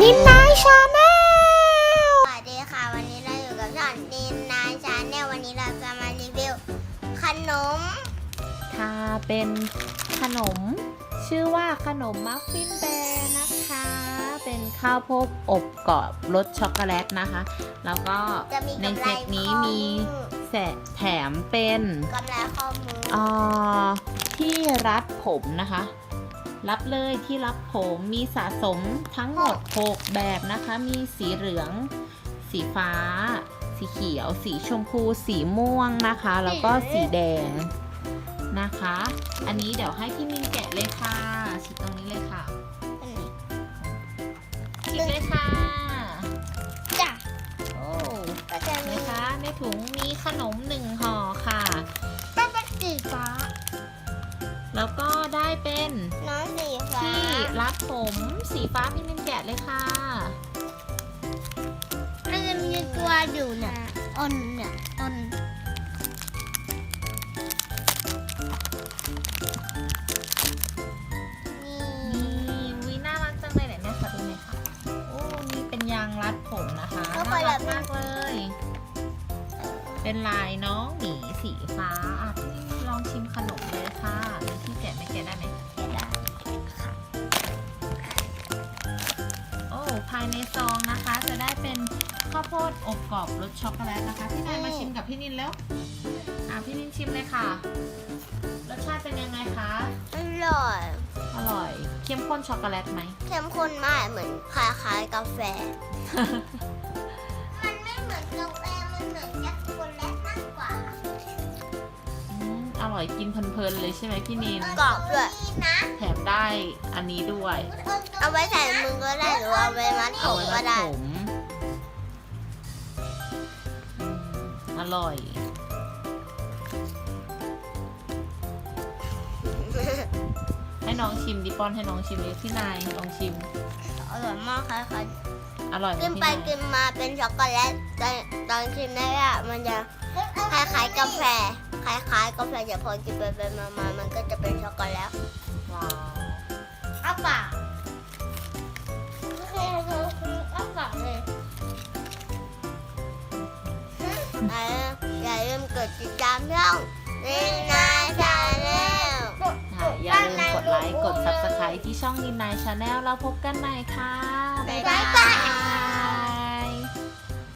นินนายชาแนลสวัสดีค่ะวันนี้เราอยู่กับช่องนินนายชาแนลวันนี้เราจะมารีวิวขนมค่ะเป็นขนมชื่อว่าขนมมัฟฟินแบร์นะคะ เป็นข้าวโพดอบกรอบรสช็อกโกแลตนะคะ แล้วก็ในเซตนี้มีแถมเป็นกำไรข้อมือที่รัดผมนะคะ รับเลยที่รับผมมีสะสมทั้งหมด6แบบนะคะมีสีเหลืองสีฟ้าสีเขียวสีชมพูสีม่วงนะคะแล้วก็สีแดงนะคะอันนี้เดี๋ยวให้พี่มินแกะเลยค่ะฉีกตรงนี้เลยค่ะฉีกเลยค่ะจ้ะโอ้ก็จะมีนะคะในถุงมีขนม1ห่อค่ะเป็นสีฟ้าแล้วก็ได้เป็นน้องสีฟ้าที่รัดผมสีฟ้าพี่มินแกะเลยค่ะมันจะมีตัวอยู่เนี่ยเนี่ยนี่วิน่ารักจังเลยเนี่ยค่ะดูหน่อยค่ะโอ้นี่เป็นยางรัดผมนะคะน่ารักมากเลยเป็นลายน้องหมีสีฟ้าอ่ะพี่ลองชิมขนมเลยค่ะมีที่แกะไหมแกะได้ไหมแกะได้ค่ะโอ้ภายในซองนะคะจะได้เป็นข้าวโพดอบกรอบรสช็อกโกแลตนะคะพี่นายมาชิมกับพี่นินแล้วพี่นินชิมเลยค่ะรสชาติเป็นยังไงคะอร่อยเข้มข้นช็อกโกแลตไหมเข้มข้นมากเหมือนคล้ายๆกาแฟมันไม่เหมือนกาแฟมันเหมือนช็อกโกแลตมากกว่าอร่อยกินเพลินๆเลยใช่ไหมพี่นินกรอบด้วยแถมได้อันนี้ด้วยเอาไว้ใส่มือก็ได้หรือเอาไว้มัดผมก็ได้อร่อยให้น้องชิมดิปอนให้น้องชิมเลยพี่นายลองชิมอร่อยมากค่ะอร่อยกินไปกินมาเป็นช็อกโกแลตแต่ตอนชิมได้อะมันจะคล้ายๆกาแฟคล้ายๆกาแฟแต่พอกินไปมามันก็จะเป็นช็อกโกแลตว้าวอ้าปากอ้าปากเลยอย่าลืมกดติดตามช่องนินนายชาแนลอย่าลืมกดไลค์กด Subscribe ที่ช่องนินนายชาแนลเราพบกันใหม่ค่ะบ๊ายบาย